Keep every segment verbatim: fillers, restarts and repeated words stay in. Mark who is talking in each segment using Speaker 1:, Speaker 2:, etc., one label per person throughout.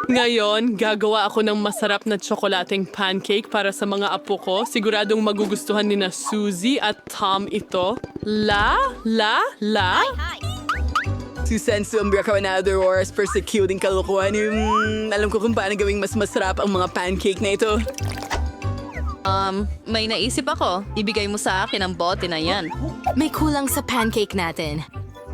Speaker 1: Ngayon, gagawa ako ng masarap na tsokolating pancake para sa mga apo ko. Siguradong magugustuhan ni na Suzy at Tom ito. La, la, la.
Speaker 2: Susan, sombra ka another oras persecuting kalukuhan. Hmm, alam ko kung paano gawing mas masarap ang mga pancake na ito.
Speaker 3: Um, may naisip ako. Ibigay mo sa akin ang bote na yan.
Speaker 4: May kulang sa pancake natin.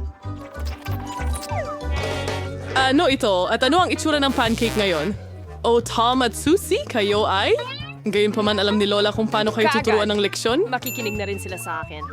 Speaker 1: Ano ito? At ano ang itsura ng pancake ngayon? O Tom at Susie, kayo ay? Gayon pa man alam ni Lola kung paano kayo
Speaker 5: Kaagad.
Speaker 1: tuturuan ng leksyon?
Speaker 5: Makikinig na rin sila sa akin.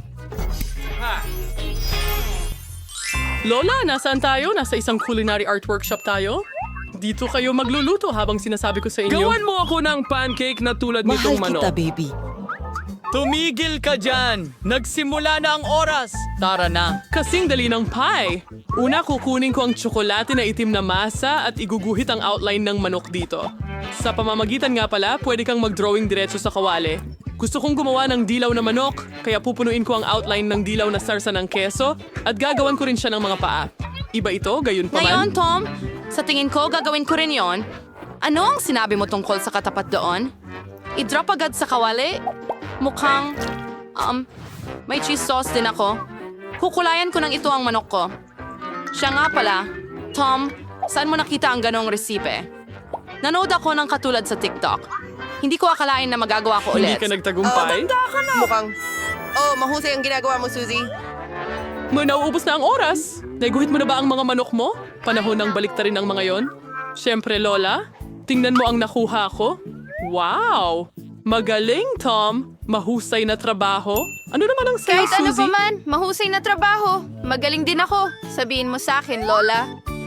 Speaker 1: Lola, nasaan tayo? Nasa isang culinary art workshop tayo? Dito kayo magluluto habang sinasabi ko sa inyo.
Speaker 6: Gawan mo ako ng pancake na tulad nitong manok.
Speaker 2: baby.
Speaker 6: Tumigil ka dyan! Nagsimula na ang oras! Tara na!
Speaker 1: Kasing dali ng pie. Una, kukunin ko ang tsokolate na itim na masa at iguguhit ang outline ng manok dito. Sa pamamagitan nga pala, pwede kang mag-drawing diretso sa kawali. Gusto kong gumawa ng dilaw na manok, kaya pupunuin ko ang outline ng dilaw na sarsa ng keso at gagawan ko rin siya ng mga paa. Iba ito, gayon pa
Speaker 3: Ngayon,
Speaker 1: man.
Speaker 3: Tom, sa tingin ko, gagawin ko rin yon. Ano ang sinabi mo tungkol sa katapat doon? I-drop agad sa kawali? Mukhang, um, may cheese sauce din ako. Kukulayan ko ng ito ang manok ko. Siya nga pala, Tom, saan mo nakita ang ganong resipe? Nanood ako ng katulad sa TikTok. Hindi ko akalain na magagawa ko
Speaker 1: Hindi
Speaker 3: ulit.
Speaker 1: ka nagtagumpay?
Speaker 2: Mukhang... Oh, mahusay ang ginagawa mo, Suzy.
Speaker 1: Mo nauubos na ang oras. Naiguhit mo na ba ang mga manok mo? Panahon ng baliktarin ang mga yon. Siyempre, Lola, tingnan mo ang nakuha ko. Wow! Magaling, Tom. Mahusay na trabaho. Ano naman ang sa'yo,
Speaker 4: Kahit ano
Speaker 1: Suzy?
Speaker 4: pa man, mahusay na trabaho. Magaling din ako. Sabihin mo sa akin, Lola.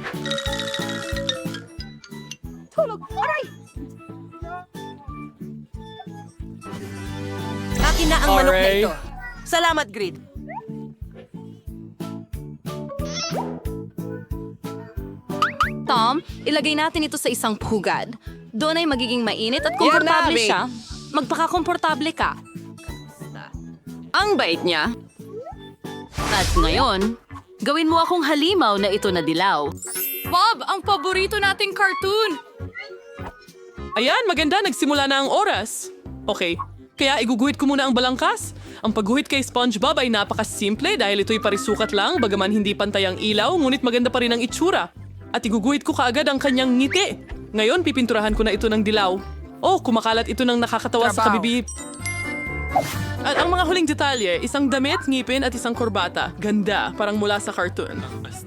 Speaker 2: Akin na ang manok na
Speaker 1: Alright.
Speaker 2: ito. Salamat, Grid.
Speaker 3: Tom, ilagay natin ito sa isang pugad. Doon ay magiging mainit at komportable
Speaker 2: Yan na,
Speaker 3: siya. Magpaka-komportable ka. Ang bait niya. At ngayon, gawin mo akong halimaw na ito na dilaw.
Speaker 4: Bob, ang paborito nating cartoon.
Speaker 1: Ayan, maganda. Nagsimula na ang oras. Okay. Kaya iguguhit ko muna ang balangkas. Ang pagguhit kay SpongeBob ay napakasimple dahil ito'y parisukat lang, bagaman hindi pantay ang ilaw, ngunit maganda pa rin ang itsura. At iguguhit ko kaagad ang kanyang ngiti. Ngayon, pipinturahan ko na ito ng dilaw. Oh, kumakalat ito ng nakakatawa sa
Speaker 2: Trabaho.
Speaker 1: kabibi. At ang mga huling detalye, isang damit, ngipin at isang korbata. Ganda, parang mula sa cartoon.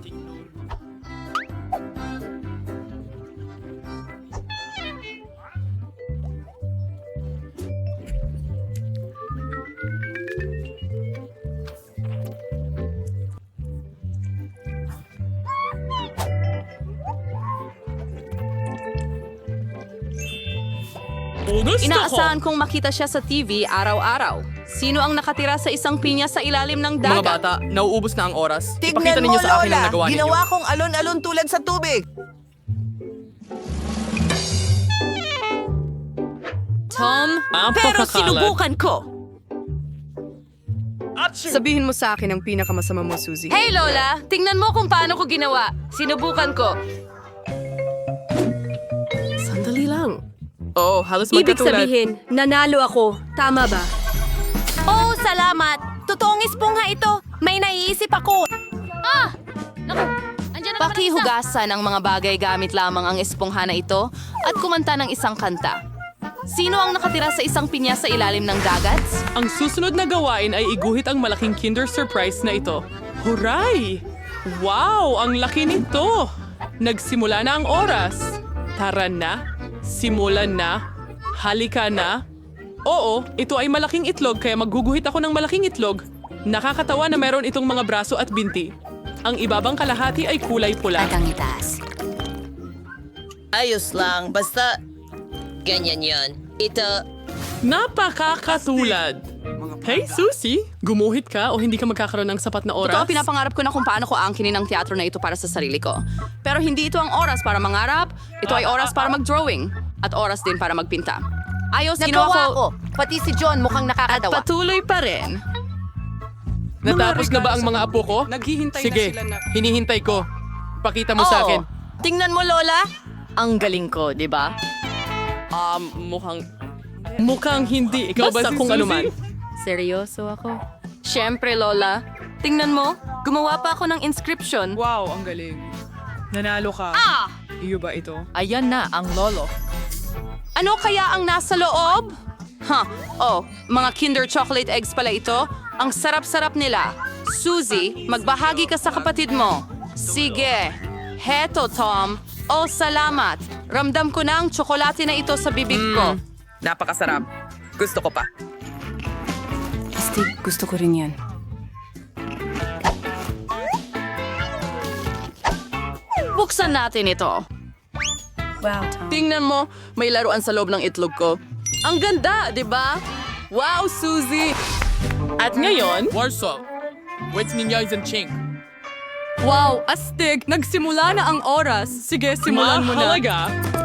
Speaker 1: Oh, gusto
Speaker 3: Inaasahan
Speaker 1: ko.
Speaker 3: kong makita siya sa T V araw-araw. Sino ang nakatira sa isang pinya sa ilalim ng
Speaker 6: Mga
Speaker 3: dagat?
Speaker 6: bata, nauubos na ang oras.
Speaker 2: Tignan
Speaker 6: Ipakita
Speaker 2: mo,
Speaker 6: ninyo sa akin
Speaker 2: Lola.
Speaker 6: ang nagawa ninyo.
Speaker 2: Ginawa kong alon-alon tulad sa tubig.
Speaker 3: Tom,
Speaker 1: Pero sinubukan
Speaker 3: ko.
Speaker 5: Sabihin mo sa akin ang pinakamasama mo, Suzy.
Speaker 3: Hey Lola, tingnan mo kung paano ko ginawa. Sinubukan ko.
Speaker 1: Sandali lang. Oh, halos
Speaker 5: Ibig
Speaker 1: magkatulad.
Speaker 5: sabihin, nanalo ako. Tama ba?
Speaker 4: Oh, salamat. Totoong espongha ito. May naiisip ako.
Speaker 3: Ah! Naku, andyan na Pakihugasan ang mga bagay gamit lamang ang espongha na ito at kumanta ng isang kanta. Sino ang nakatira sa isang pinya sa ilalim ng dagat?
Speaker 1: Ang susunod na gawain ay iguhit ang malaking Kinder Surprise na ito. Huray! Wow! Ang laki nito! Nagsimula na ang oras. Tara na. Simulan na. Halika na. Oo, ito ay malaking itlog kaya magguguhit ako ng malaking itlog. Nakakatawa na meron itong mga braso at binti. Ang ibabang kalahati ay kulay pula.
Speaker 4: At ang itaas.
Speaker 7: Ayos lang, basta ganyan yon. Ito,
Speaker 1: Napakakatulad. Hey, Susie! Gumuhit ka o hindi ka magkakaroon ng sapat na oras?
Speaker 3: Totoo, pinapangarap ko na kung paano ko angkinin ang teatro na ito para sa sarili ko. Pero hindi ito ang oras para mangarap, ito ay oras para mag-drawing. At oras din para magpinta. Ayos, ginawa
Speaker 4: Nagawa
Speaker 3: ko.
Speaker 4: ko. Pati si John mukhang
Speaker 3: At
Speaker 4: nakakatawa.
Speaker 3: patuloy pa rin.
Speaker 1: Natapos na ba ang mga apo ko?
Speaker 6: Naghihintay
Speaker 1: Sige,
Speaker 6: na sila na...
Speaker 1: hinihintay ko. Pakita mo sa akin.
Speaker 3: Tingnan mo, Lola. Ang galing ko, di ba?
Speaker 1: Um, mukhang... Mukhang hindi. Ikaw ba
Speaker 3: Basta
Speaker 1: si
Speaker 3: kung
Speaker 1: Suzy?
Speaker 3: ano man. Seryoso ako. Siyempre, Lola. Tingnan mo, gumawa pa ako ng inscription.
Speaker 8: Wow, ang galing. Nanalo ka.
Speaker 3: Ah!
Speaker 8: Iyo ba ito?
Speaker 3: Ayan na ang lolo. Ano kaya ang nasa loob? Ha, oh, mga Kinder Chocolate Eggs pala ito. Ang sarap-sarap nila. Suzy, magbahagi ka sa kapatid mo. Sige. Heto, Tom. Oh, salamat. Ramdam ko na ang tsokolate na ito sa bibig ko.
Speaker 2: Napakasarap. Gusto ko pa.
Speaker 5: Astig, gusto ko rin yan.
Speaker 3: Buksan natin ito.
Speaker 5: Wow, Tom.
Speaker 3: Tingnan mo, may laruan sa loob ng itlog ko. Ang ganda, di ba? Wow, Suzy!
Speaker 1: At ngayon,
Speaker 6: Warsaw. Wait ninyo isang chink.
Speaker 3: Wow, astig! Nagsimula na ang oras. Sige, simulan mo na.
Speaker 1: mahalaga.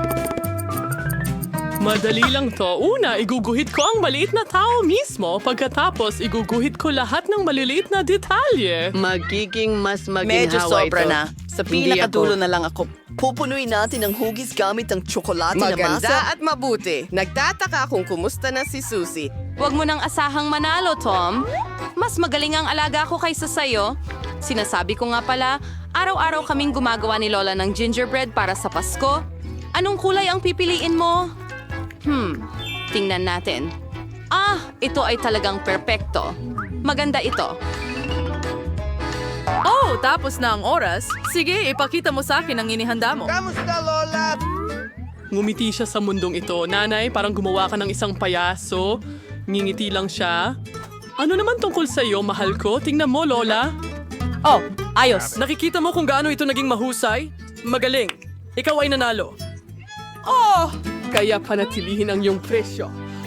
Speaker 1: Madali lang to. Una, iguguhit ko ang maliit na tao mismo. Pagkatapos, iguguhit ko lahat ng maliliit na detalye.
Speaker 2: Magiging mas
Speaker 9: Medyo
Speaker 2: maginhawa
Speaker 9: sobra
Speaker 2: ito.
Speaker 9: na. Sa
Speaker 2: Hindi
Speaker 9: pinakadulo
Speaker 2: ako.
Speaker 9: na lang ako. Pupunuin natin ang hugis gamit ang tsokolate na
Speaker 2: Maganda
Speaker 9: masa.
Speaker 2: at mabuti. Nagtataka kung kumusta na si Susie.
Speaker 3: Huwag mo nang asahang manalo, Tom. Mas magaling ang alaga ko kaysa sayo. Sinasabi ko nga pala, araw-araw kaming gumagawa ni Lola ng gingerbread para sa Pasko. Anong kulay ang pipiliin mo? Hmm, tingnan natin. Ah, ito ay talagang perpekto. Maganda ito.
Speaker 5: Oh, tapos na ang oras. Sige, ipakita mo sa akin ang inihanda mo.
Speaker 1: Ngumiti siya sa mundong ito. Nanay, parang gumawa ka ng isang payaso. Ngingiti lang siya. Ano naman tungkol sa iyo, mahal ko? Tingnan mo, Lola.
Speaker 5: Oh, ayos.
Speaker 8: Nakikita mo kung gaano ito naging mahusay? Magaling. Ikaw ay nanalo. Oh!
Speaker 1: Kaya panatilihin ang iyong presyo.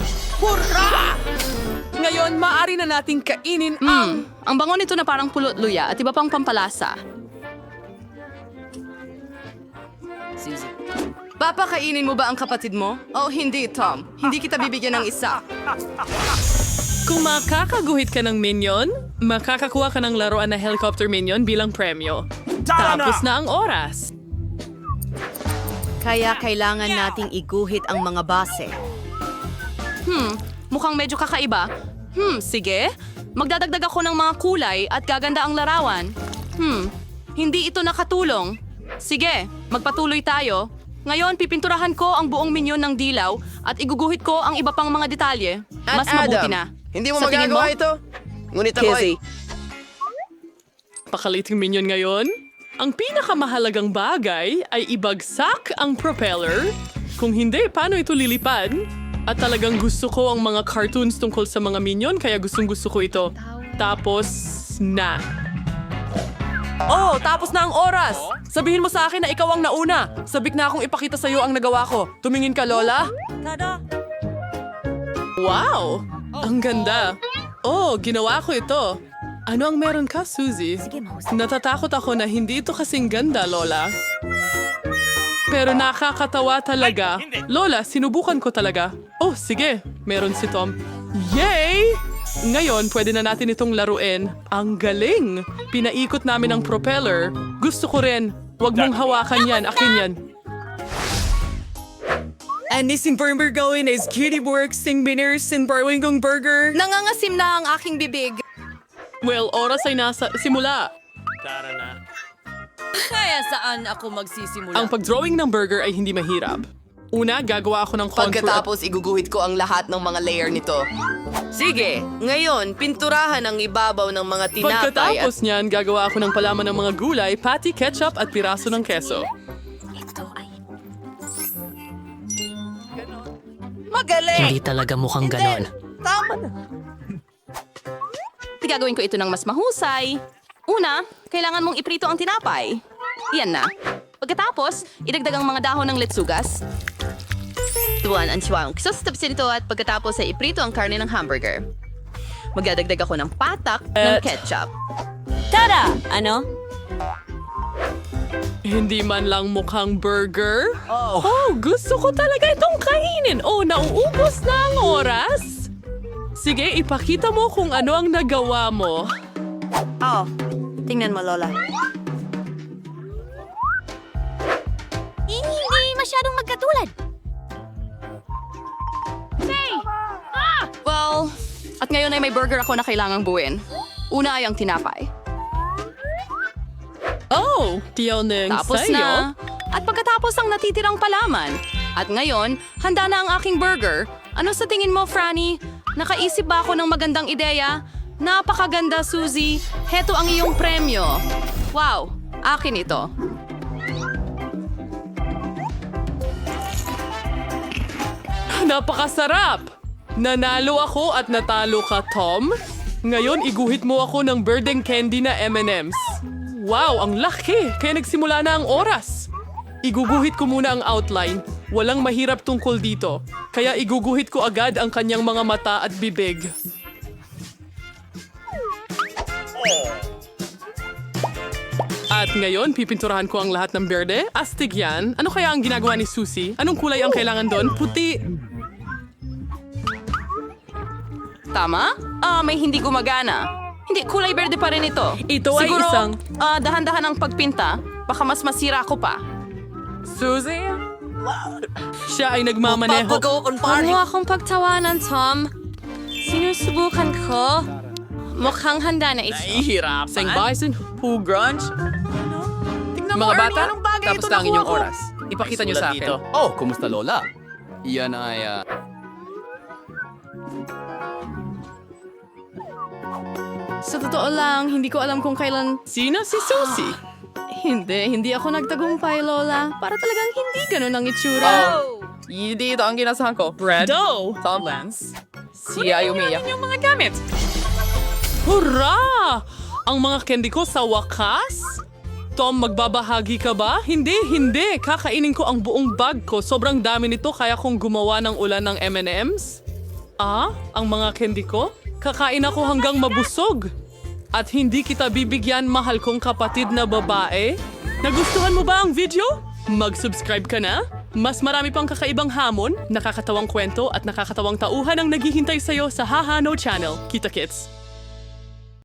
Speaker 8: Ngayon, maaari na nating kainin ang...
Speaker 3: Hmm, ang bango nito na parang pulot luya at iba pang pampalasa.
Speaker 5: Papakainin mo ba ang kapatid mo? Oh, hindi, Tom. Hindi kita bibigyan ng isa.
Speaker 1: Kung makakaguhit ka ng minion, makakakuha ka ng laruan na helicopter minion bilang premyo. Tapos na ang oras.
Speaker 5: Kaya kailangan nating iguhit ang mga base.
Speaker 3: Hmm, mukhang medyo kakaiba. Hmm, sige. Magdadagdag ako ng mga kulay at gaganda ang larawan. Hmm, hindi ito nakatulong. Sige, magpatuloy tayo. Ngayon, pipinturahan ko ang buong minyon ng dilaw at iguguhit ko ang iba pang mga detalye. Mas mabuti na.
Speaker 2: Hindi mo
Speaker 3: Sa tingin
Speaker 2: magagawa
Speaker 3: mo?
Speaker 2: ito. Ngunit ako ay...
Speaker 1: Pakaliting minion ngayon. Ang pinakamahalagang bagay ay ibagsak ang propeller. Kung hindi, paano ito lilipad? At talagang gusto ko ang mga cartoons tungkol sa mga minion, kaya gustong gusto ko ito. Tapos na.
Speaker 8: Oh, tapos na ang oras! Sabihin mo sa akin na ikaw ang nauna. Sabik na akong ipakita sa iyo ang nagawa ko. Tumingin ka, Lola.
Speaker 1: Wow! Ang ganda. Oh, ginawa ko ito. Ano ang meron ka, Suzy? Natatakot ako na hindi ito kasing ganda, Lola. Pero nakakatawa talaga. Lola, sinubukan ko talaga. Oh, sige. Meron si Tom. Yay! Ngayon, pwede na natin itong laruin. Ang galing! Pinaikot namin ang propeller. Gusto ko rin. Huwag mong hawakan yan. Akin yan.
Speaker 8: And nising burger gawin is cutie works sing binners sin barwingong burger.
Speaker 5: Nangangasim na ang aking bibig.
Speaker 1: Well, oras ay nasa simula.
Speaker 5: Kaya saan ako magsisimula?
Speaker 1: Ang pag-drawing ng burger ay hindi mahirap. Una, gagawa ako ng contour.
Speaker 9: Pagkatapos, iguguhit ko ang lahat ng mga layer nito.
Speaker 2: Sige, ngayon, pinturahan ang ibabaw ng mga tinapay at...
Speaker 1: Pagkatapos niyan, gagawa ako ng palaman ng mga gulay, patty, ketchup at piraso ng keso.
Speaker 2: Magaling!
Speaker 7: Hindi talaga mukhang ganon.
Speaker 3: Gagawin ko ito ng mas mahusay. Una, kailangan mong iprito ang tinapay. Yan na. Pagkatapos, idagdag ang mga dahon ng letsugas. Tuwan ang siwang sauce tapsin ito at pagkatapos ay iprito ang karne ng hamburger. Magdadagdag ako ng patak ng ketchup.
Speaker 4: Tada! Ano?
Speaker 1: Hindi man lang mukhang burger. Oh. oh, gusto ko talaga itong kainin. Oh, nauubos na ang oras. Sige, ipakita mo kung ano ang nagawa mo.
Speaker 5: Oh, tingnan mo, Lola.
Speaker 4: Hindi masyadong magkatulad.
Speaker 5: Well, at ngayon ay may burger ako na kailangang buuin. Una ay ang tinapay.
Speaker 1: Oh, tiyaw
Speaker 3: Tapos
Speaker 1: sa'yo.
Speaker 3: na. At pagkatapos ang natitirang palaman. At ngayon, handa na ang aking burger. Ano sa tingin mo, Franny? Nakaisip ba ako ng magandang ideya? Napakaganda, Suzy. Heto ang iyong premyo. Wow, akin ito.
Speaker 1: Napakasarap! Nanalo ako at natalo ka, Tom. Ngayon, iguhit mo ako ng birdeng candy na M and M's. Wow, ang laki! Kaya nagsimula na ang oras. Iguguhit ko muna ang outline. Walang mahirap tungkol dito. Kaya iguguhit ko agad ang kanyang mga mata at bibig. At ngayon, pipinturahan ko ang lahat ng berde. Astig yan. Ano kaya ang ginagawa ni Susie? Anong kulay ang kailangan doon? Puti.
Speaker 3: Tama? Ah, may hindi gumagana. Hindi, kulay berde pa rin ito.
Speaker 1: Ito ay
Speaker 3: Siguro,
Speaker 1: isang-
Speaker 3: ah, dahan-dahan ang pagpinta. Baka mas masira ko pa.
Speaker 1: Susie? Siya ay nagmamaneho.
Speaker 4: Huwag mo akong pagtawanan, Tom. Sinusubukan ko. Mukhang handa na ito.
Speaker 8: Nahihirapan.
Speaker 1: Saint Bison?
Speaker 8: Who grunge?
Speaker 6: Tingnan
Speaker 8: Mga bata,
Speaker 6: bagay
Speaker 8: tapos
Speaker 6: ito
Speaker 8: na ang inyong
Speaker 6: nakuha ko.
Speaker 8: oras. Ipakita
Speaker 6: May
Speaker 8: nyo sa
Speaker 6: sulat
Speaker 8: akin.
Speaker 6: dito.
Speaker 8: Oh, kumusta Lola? Yan ay... ah,
Speaker 5: Sa totoo lang, hindi ko alam kung kailan...
Speaker 1: Sino si Susie?
Speaker 5: Hindi, hindi ako nagtagumpay, Lola. Para talagang hindi ganun ang itsura.
Speaker 8: Hindi ito ang ginasahan ko. Bread.
Speaker 1: Dough!
Speaker 8: Tom Lance. Siya ay umiyak.
Speaker 1: Yung mga gamit. Hurra! Ang mga candy ko sa wakas? Tom, magbabahagi ka ba? Hindi, hindi. Kakainin ko ang buong bag ko. Sobrang dami nito kaya kong gumawa ng ulan ng M and M's. Ah, ang mga candy ko? Kakain ako hanggang mabusog. At hindi kita bibigyan, mahal kong kapatid na babae. Nagustuhan mo ba ang video? Mag-subscribe ka na? Mas marami pang kakaibang hamon, nakakatawang kwento at nakakatawang tauhan ang naghihintay sa'yo sa Hahano Channel. Kita kits!